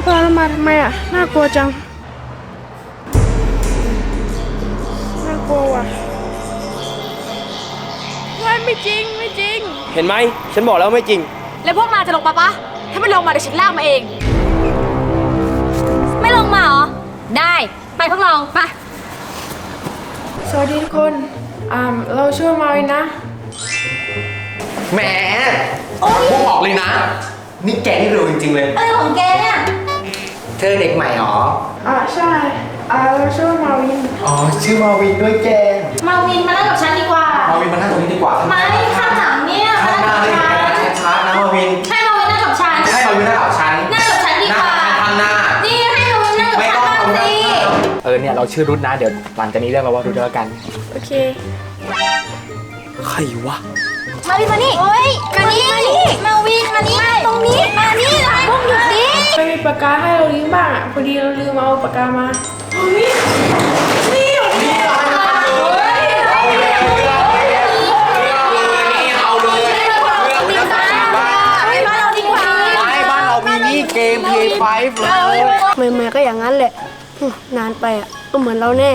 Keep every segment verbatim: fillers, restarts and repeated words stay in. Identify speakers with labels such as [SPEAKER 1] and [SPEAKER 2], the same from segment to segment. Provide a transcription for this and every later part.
[SPEAKER 1] พาเรามาทำไมอ่ะน่ากลัวจังน่ากลัวว่ะไม่ไม่จริงไม่จริง
[SPEAKER 2] เห็นไหมฉันบอกแล้วไม่จริง
[SPEAKER 3] แล้วพวกนายจะลงมาปะถ้าไม่ลงมาเดี๋ยวฉันลากมาเองไม่ลงมาเหรอได้ไปพวกเราไป
[SPEAKER 1] สวัสดีทุกคนอ่าเราชื่อมาวินนะ
[SPEAKER 4] แหมพูดออกเลยนะนี่แกนี่เร็วจริงๆเลย
[SPEAKER 3] อะไรของแกเนี่ย
[SPEAKER 4] เธอเด็กใหม่หรอ
[SPEAKER 1] อ่าใช่อ่าเราชื่อมาวิน
[SPEAKER 4] อ๋อชื่อมาวินด้วยแก
[SPEAKER 3] มาวินมานั่งกับฉันดีกว่า
[SPEAKER 4] มาวินมานั่งตรงนี้ดีกว่า
[SPEAKER 3] ไม่ข้างหลังเนี่ย
[SPEAKER 4] ข้างหน้าเลยช้าๆนะมาวิน
[SPEAKER 3] ให้มาวินนั่งกับฉัน
[SPEAKER 4] ให้มาวินนั่งกับฉัน
[SPEAKER 3] นั่งกับฉันดีกว่า
[SPEAKER 4] ข้างหน้า
[SPEAKER 3] นี่ให้มาวินนั่งกับฉันบ้างสิ
[SPEAKER 4] เออเนี่ยเราชื่อรุ่นนะเดี๋ยวหลังจากนี้เรียกเราว่ารุ่นแล้วกัน
[SPEAKER 1] โอเค
[SPEAKER 2] ใครวะ
[SPEAKER 3] มาวินมานี่โอ้ยมานี่มาวินมานี่ตรงนี้มานี่นะพวกหยุดดิ
[SPEAKER 1] ไม่มีปากกาให้เราลืมบ้างอ่ะพอดีเราลืมเอาปากกามานี่นี่นี่
[SPEAKER 4] เอาเลยไม่บ้านเรามีนี่เกม พี ไฟว์ เลย
[SPEAKER 1] ใหม่ๆก็อย่างนั้นแหละนานไปอ่ะก็เหมือนเราแน่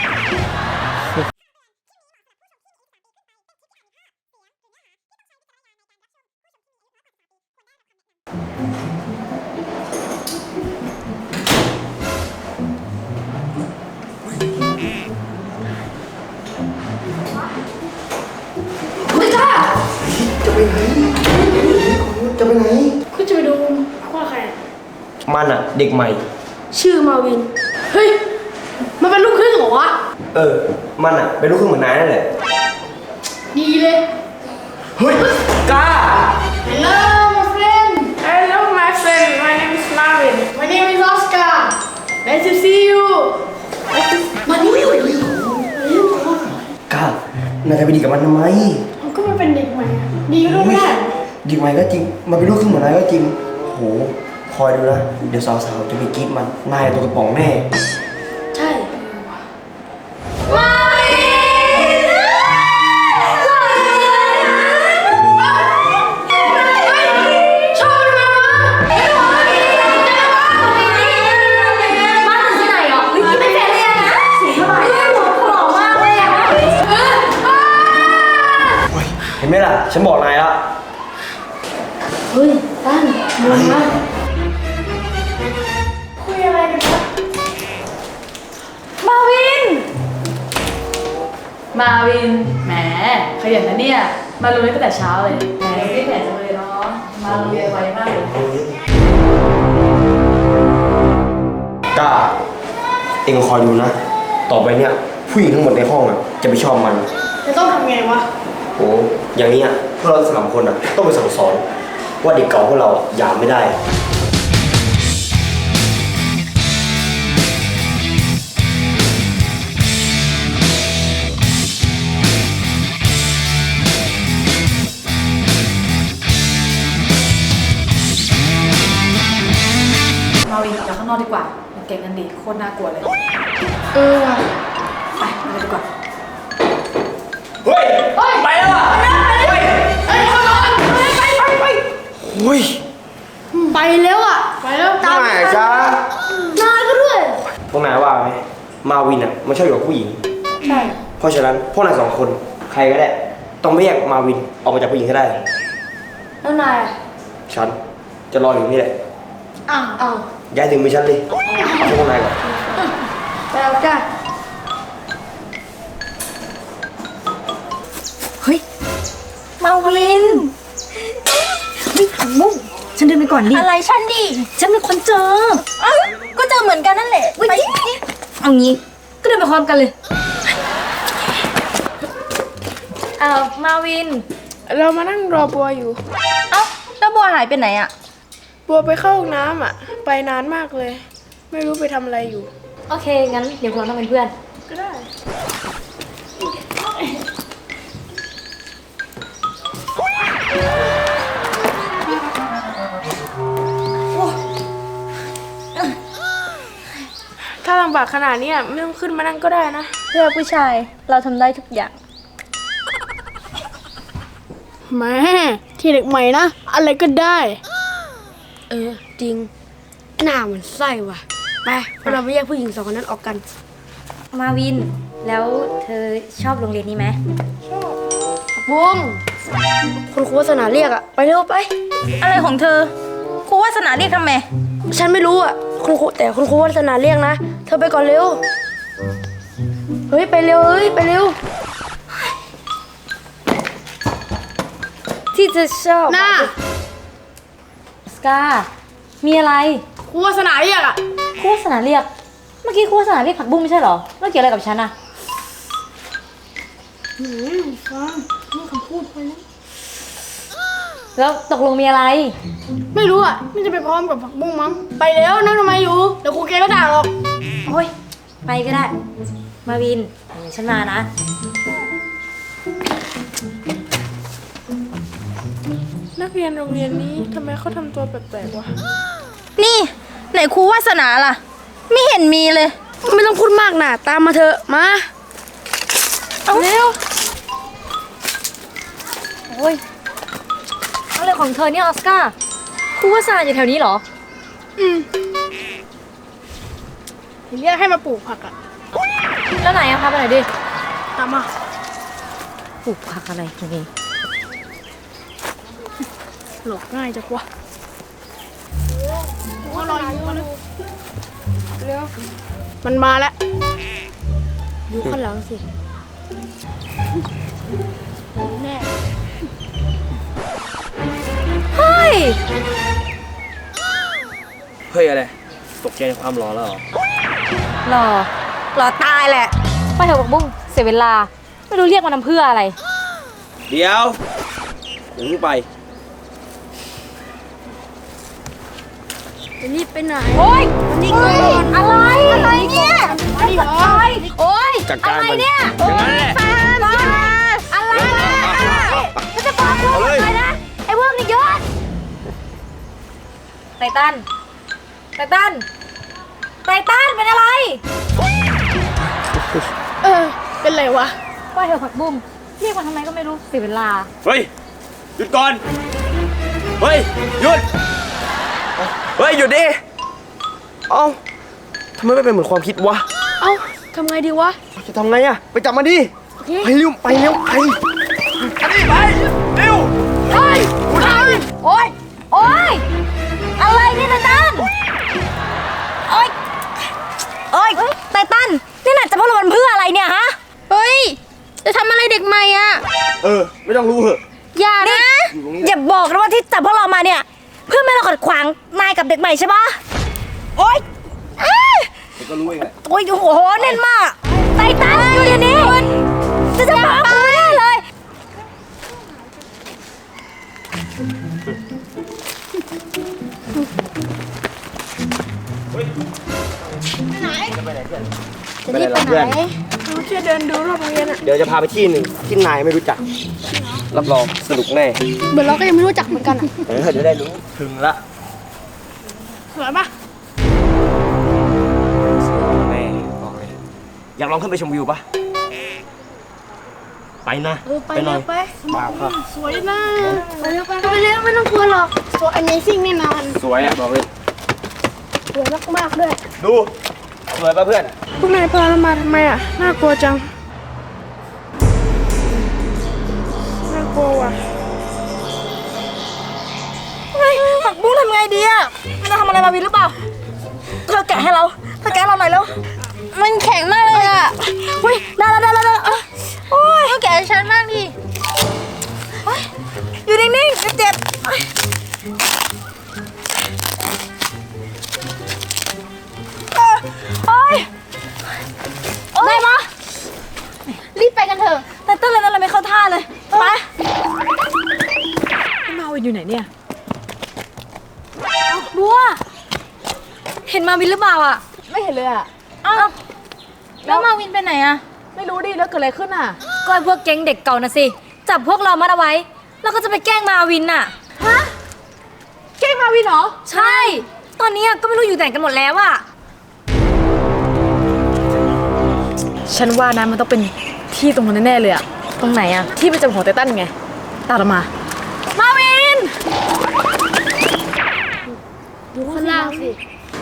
[SPEAKER 2] จะไปไหนจะไปไหน
[SPEAKER 1] คุณจะไปดูว่าใคร
[SPEAKER 2] มันอะเด็กใหม่
[SPEAKER 1] ชื่อมาวินเฮ้ยมันเป็นลูกครึ่งเหรอวะ
[SPEAKER 2] เออมันอะเป็นลูกครึ่งเหมือนนายนั่นแหละ
[SPEAKER 1] ดีเลย
[SPEAKER 2] เฮ้ยกล้า
[SPEAKER 1] Hello my friend Hello my friend my name is Marvin my name is Oscar nice to see you มานี่
[SPEAKER 2] กล้านายจะไปดีกับมันทำไม
[SPEAKER 1] มันก็มันเป็นเด็กใหม่ดีก็ไม่ได้
[SPEAKER 2] เด็กใหม่ก็จริงมันเป็นลูกครึ่งเหมือนนายก็จริงโหคอยดูนะเดี๋ยวสาวๆจะไปกรี๊ดมันนายตัวกระป๋องแน่
[SPEAKER 1] ใช่
[SPEAKER 3] มาวินชอบมันมามาถึงที่ไหนหรอเฮ้ยไม่แฟร์เลยนะสีเท่าไหร่หัวหอมมากเลยอ่ะ
[SPEAKER 2] เห็นไหมล่ะฉันบอกนายละ
[SPEAKER 1] เฮ้ยตั้นมองมาคุยอะไรกันครับ
[SPEAKER 3] มาวิน
[SPEAKER 5] มาวินแหมขยันนะเนี่ยมาโรงเรียนตั้งแต่เช้าเลยแหมรีบแผนจังเลยเนาะมาโรงเรียนไวมากเลย
[SPEAKER 2] กล้าเองคอยดูนะต่อไปเนี่ยผู้หญิงทั้งหมดในห้องอ่ะจะไปชอบมัน
[SPEAKER 1] จะต้องทำไงวะ
[SPEAKER 2] โอ้อย่างนี้อ่ะพวกเราสามคนอ่ะต้องไปสั่งสอนว่าเด็กเก่าพวกเราหยามไม่ได้
[SPEAKER 5] มาวินออกจากข้างนอกดีกว่าเก่งกันดีโคตรน่ากลัวเลย
[SPEAKER 1] เออว่ะ
[SPEAKER 5] ไปไปดีกว่า
[SPEAKER 2] เฮ้ยไปแล้วอ่ะเฮ้ย
[SPEAKER 1] ไปไปไปไป
[SPEAKER 2] เฮ้ย
[SPEAKER 1] ไปแล้วอ่ะไปแล้ว
[SPEAKER 2] ตามไหนจ้
[SPEAKER 1] นายก็ด้วย
[SPEAKER 2] พวกนายว่าไหมมาวินอ่ะมันชอบอยู่กับผู้หญิง
[SPEAKER 1] ใช่
[SPEAKER 2] เพราะฉะนั้นพวกนายสองคนใครก็ได้ต้องไม่แยกมาวินออกมาจากผู้หญิงให้ได้
[SPEAKER 1] แล้วนาย
[SPEAKER 2] ฉันจะรออยู่นี่แหละ
[SPEAKER 1] อ้าวอ้าว
[SPEAKER 2] ย้ายถึงมือฉันเลยเอาพวกนายก่อน
[SPEAKER 1] ไปแล้วจ้า
[SPEAKER 3] เฮ้ยมาวินไม่ถังมุ่งฉันเดินไปก่อนดิอะไรฉันดิฉันเป็นคนเจอเอ้าก็เจอเหมือนกันนั่นแหละไปเอางี้ก็เดินไปพร้อมกันเลยเอ้ามาวิน
[SPEAKER 1] เรามานั่งรอบัวอยู่
[SPEAKER 3] เอ้าแล้วบัวหายไปไหนอะ
[SPEAKER 1] บัวไปเข้าห้องน้ำอ่ะไปนานมากเลยไม่รู้ไปทำอะไรอยู่
[SPEAKER 3] โอเคงั้นเดี๋ยวเราต้องเป็นเพื่อน
[SPEAKER 1] ก็ได้ถ้าลำบากขนาดนี้ไม่ต้องขึ้นมานั่งก็ได้นะ
[SPEAKER 3] เพื่อผู้ชายเราทำได้ทุกอย่าง
[SPEAKER 1] แม่ที่เด็กใหม่นะอะไรก็ได้
[SPEAKER 3] เออจริง
[SPEAKER 1] หน้ามันไส้ว่ะ ไปเราไปแยกผู้หญิงสองคนนั้นออกกัน
[SPEAKER 3] มาวิน แล้วเธอชอบโรงเรียนนี้ไหม
[SPEAKER 1] บุ้งคุณครูวาสนาเรียกอะไปเร็วไป
[SPEAKER 3] อะไรของเธอครูวาสนาเรียกทำไม
[SPEAKER 1] ฉันไม่รู้อะคุณครูแต่คุณครูวาสนาเรียกนะ เธอไปก่อนเร็ว เฮ้ยไปเร็วเฮ้ยไปเร็ว
[SPEAKER 3] ที่เธอชอบ
[SPEAKER 1] หน้า
[SPEAKER 3] สกา มีอะไร
[SPEAKER 1] ครูวาสนาเรียกอะ
[SPEAKER 3] ครูวาสนาเรียก เมื่อกี้ครูวาสนาเรียกผักบุ้งไม่ใช่เหรอแล้วเกี่ยวอะไรกับฉันอะ
[SPEAKER 1] หืมฟังนี่คำพูดไปแล้ว
[SPEAKER 3] แล้วตกลงมีอะไร
[SPEAKER 1] ไม่รู้อะไม่จะไปพร้อมกับผักบุ้งมั้ง ไปแล้วนั่งทำไมอยู่ เดี๋ยวครูแกก็ด่าหรอก
[SPEAKER 3] โอ้ย ไปก็ได้ มาวินเดี๋ยวฉันมานะ
[SPEAKER 1] นักเรียนโรงเรียนนี้ทำไมเขาทำตัวแปลกๆวะ
[SPEAKER 3] นี่ไหนครูวาสนาล่ะ ไม่เห็นมีเลย
[SPEAKER 1] ไม่ต้องพูดมากนะตามมาเถอะมา
[SPEAKER 3] เอาเร็ว โอ้ยอะไรของเธอเนี่ยออสการ์ครูวาสนาอยู่แถวนี้เหรอ
[SPEAKER 1] อืมเรียกให้มาปลูกผักอะ
[SPEAKER 3] แล้วไหนอะพาไปหน่อยดิ
[SPEAKER 1] ตามมา
[SPEAKER 3] ปลูกผักอะไรนี่
[SPEAKER 1] หลอกง่ายจังวะเขารออยู่มาเร็วมันมาแล้วดูข้างหลังสิแน่
[SPEAKER 3] เฮ้ย
[SPEAKER 2] เฮ้ยอะไร ตกใจในความร้อนแล้วเหรอ
[SPEAKER 3] หล่อหล่อตายแหละ ไปเถอะบักบุ้งเสียเวลา ไม่รู้เรียกมันทำเพื่ออะไร
[SPEAKER 2] เดี๋ยวอย่าเพิ่งไป
[SPEAKER 1] จะรีบไปไหน
[SPEAKER 3] โอ้ย
[SPEAKER 1] นี่ก่อน
[SPEAKER 3] อะไร อะไรเนี่ย
[SPEAKER 1] มาดิเหรอ
[SPEAKER 3] โอ้ย
[SPEAKER 2] จัดการ
[SPEAKER 3] อะไร
[SPEAKER 2] มัน
[SPEAKER 3] เนี่ย
[SPEAKER 2] อย่างนั้นแหละ
[SPEAKER 3] แฟนอะไรมันจะฟ้องลูกเลยนะ ไอ้พวกนี้ยศไททันไททันไททันเป็นอะไร
[SPEAKER 1] เออ เป็นไรวะ
[SPEAKER 3] ไปเถอะผักบุ้งเรียกมาทำไมก็ไม่รู้เสียเวลา
[SPEAKER 2] เฮ้ย หยุดก่อน เฮ้ย หยุด เฮ้ย หยุดดิ เอ้าทำไมไม่เป็นเหมือนความคิดวะ
[SPEAKER 1] เอ้าทำไงดีวะ
[SPEAKER 2] จะทำไงอะไปจับมันดิ
[SPEAKER 1] โอเค
[SPEAKER 2] ไปเร็ว ไปเร็ว ไปอันนี้ไป เร็ว
[SPEAKER 3] โอ้ยโอ้ยโอ้ยอะไรเนี่ยไททันโอ้ยโอ้ยไททันนี่น่ะจะพวกเรามันเพื่ออะไรเนี่ยฮะ
[SPEAKER 1] เฮ้ย จะทำอะไรเด็กใหม่อ่ะ
[SPEAKER 2] เออ ไม่ต้องรู้เหอะ
[SPEAKER 3] อย่านะ
[SPEAKER 2] อยู่ตรงนี้
[SPEAKER 3] อย่าบอกนะว่าที่จับพวกเรามาเนี่ย เพื่อไม่ให้เราขัดขวางนายกับเด็กใหม่ใช่ปะโอ๊ยอ้า
[SPEAKER 2] เดี๋ยวก็รู้เองแหละ
[SPEAKER 3] โอ๊ยโอ้โหแน่นมากไททันอยู่เดี๋ยวนี้จะจะบอกกูไม่ได้เลย
[SPEAKER 2] จะไปไหนเพื่อน
[SPEAKER 1] จะรีบไปไหนเราแค่เดินดูรอบโรงเรียนอ่ะ
[SPEAKER 2] เดี๋ยวจะพาไปที่หนึ่งที่นายไม่รู้จัก รับรองสนุกแน่
[SPEAKER 1] เหมือนเราก็ยังไม่รู้จักเหมือนกันอ่ะ
[SPEAKER 2] เออเดี๋ยวได้รู้ ถึงละ
[SPEAKER 1] สวยปะ
[SPEAKER 2] แม่บอกเลยอยากลองขึ้นไปชมวิวปะไปนะ
[SPEAKER 1] เออไป
[SPEAKER 2] หน่
[SPEAKER 1] เร็
[SPEAKER 2] อ
[SPEAKER 1] วย ไป
[SPEAKER 2] มาครับ
[SPEAKER 1] สวยนะไปเร็วไปไปเร็วไม่ต้องกลัวหรอกสวย Amazing แน่นอน
[SPEAKER 2] สวยอ่ะบอกเลย
[SPEAKER 1] สวยมากๆด้วย
[SPEAKER 2] ดู สวยปะเพื่อน
[SPEAKER 1] พวกนายพาเรามาทำไมอ่ะ น่ากลัวจัง น่ากลัวว่ะ
[SPEAKER 3] เฮ้ยผักบุ้งทำไงดีอะมันจะทำอะไรมาวินหรือเปล่าเธอแกะให้เราเธอแกะเราหน่อยแล้วมันแข็งมากเลยอะเฮ้ยได้แล้วได้แล้วได้แล้วอ่ะโอ้ยแกะให้ฉันมากดิโอ๊ยอยู่นิ่งๆเจ็บๆโอ๊ยโอ๊ยได้ปะรีบไปกันเถอะแต่เต้นเลยนั่นเลยไม่เข้าท่าเลยไป
[SPEAKER 5] มาวินอยู่ไหนเนี่ย
[SPEAKER 3] บัวเห็นมาวินหรือเปล่าอ่ะ
[SPEAKER 5] ไม่เห็นเลยอ่ะ
[SPEAKER 3] อ้าวแล้วมาวินไปไหนอ่ะ
[SPEAKER 5] ไม่รู้ดิแล้วเกิดอะไรขึ้นอ่ะ
[SPEAKER 3] ก็ไอ้พวกแก๊งเด็กเก่านะสิจับพวกเรามาเอาไว้ แล้วก็จะไปแกล้งมาวินน่ะ
[SPEAKER 5] ฮะแกล้งมาวินเหรอ
[SPEAKER 3] ใช่ ตอนนี้ก็ไม่รู้อยู่ไหนกันหมดแล้วอ่ะ
[SPEAKER 5] ฉันว่านะมันต้องเป็นที่ตรงนั้นแน่ๆเลยอ่ะ
[SPEAKER 3] ตรงไหนอ่ะ
[SPEAKER 5] ที่ประจำของไททันไง ตามเรามา มาวิน
[SPEAKER 1] ดูข้างล่างสิ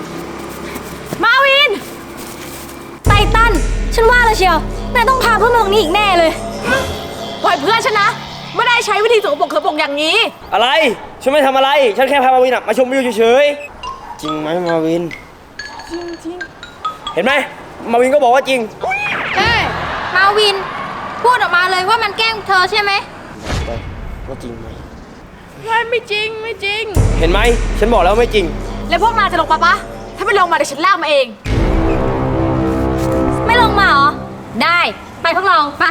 [SPEAKER 3] ฉันว่าแล้วเชียวนายต้องพาเพื่อนมาตรงนี้อีกแน่เลย
[SPEAKER 5] ปล่อยเพื่อนฉันนะ ไม่ได้ใช้วิธีสกปรกสกปรกอย่างนี้
[SPEAKER 2] อะไร ฉันไม่ทำอะไร ฉันแค่พามาวินอะมาชมวิวเฉยๆ จริงไหมมาวิน จริงจริงเห็นไหม มาวินก็บอกว่าจริง
[SPEAKER 3] เฮ้ย มาวิน พูดออกมาเลยว่ามันแกล้งเธอใช่ไหม
[SPEAKER 2] ว่าจริงไหม
[SPEAKER 5] ไม่ไม่จริงไม่จริง
[SPEAKER 2] เห็นไหม ฉันบอกแล้วไม่จริง
[SPEAKER 5] แล้วพวกนายจะลงมาปะถ้าไม่ลงมาเดี๋ยวฉันลากมาเอง
[SPEAKER 3] ไม่ลงมาเหรอ ได้ ไปพวกเรา ไป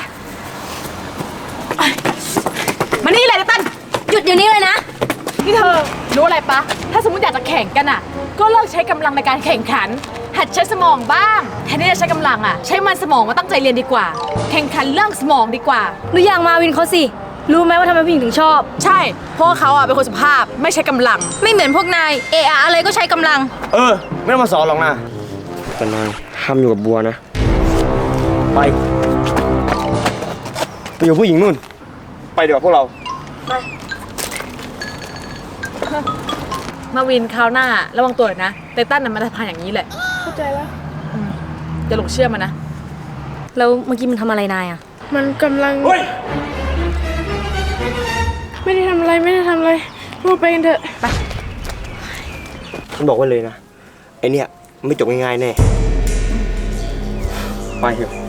[SPEAKER 5] มานี่เลยนะตั้น
[SPEAKER 3] หยุดเดี๋ยวนี้เลยนะ
[SPEAKER 5] นี่เธอรู้อะไรปะ ถ้าสมมติอยากจะแข่งกันอ่ะ ก็เลิกใช้กำลังในการแข่งขัน หัดใช้สมองบ้าง แทนที่จะใช้กำลังอ่ะ ใช้มันสมองมาตั้งใจเรียนดีกว่า แข่งขันเรื่องสมองดีกว่า
[SPEAKER 3] หรืออย่างมาวินเขาสิ รู้ไหมว่าทำไมผู้หญิงถึงชอบ
[SPEAKER 5] ใช่ เพราะว่าเขาอ่ะเป็นคนสุภาพ ไม่ใช้กำลัง
[SPEAKER 3] ไม่เหมือนพวกนาย เอะอะอะไรก็ใช้กำลัง
[SPEAKER 2] เออ ไม่ต้องมาสอนหรอกนะแต่นายห้ามอยู่กับบัวนะ ไป ไปอยู่ผู้หญิงนู่น ไปเดี๋ยวาพวกเรา
[SPEAKER 5] มาวินคราวหน้าระวังตัวหน่อยนะไตตันน่ะมันจะพานอย่างนี้แหละ
[SPEAKER 1] เข้าใจแล้ว
[SPEAKER 5] อย่าหลงเชื่อมันนะ
[SPEAKER 3] แล้วเมื่อกี้มันทำอะไรนายอะ
[SPEAKER 1] มันกำลัง
[SPEAKER 2] เฮ้ย
[SPEAKER 1] ไม่ได้ทำอะไรไม่ได้ทำอะไรพูดไปกันเถอะ
[SPEAKER 2] ฉันบอกไว้เลยนะ ไอเนี่ยไม่จบง่ายๆแน่ ไปเถอะ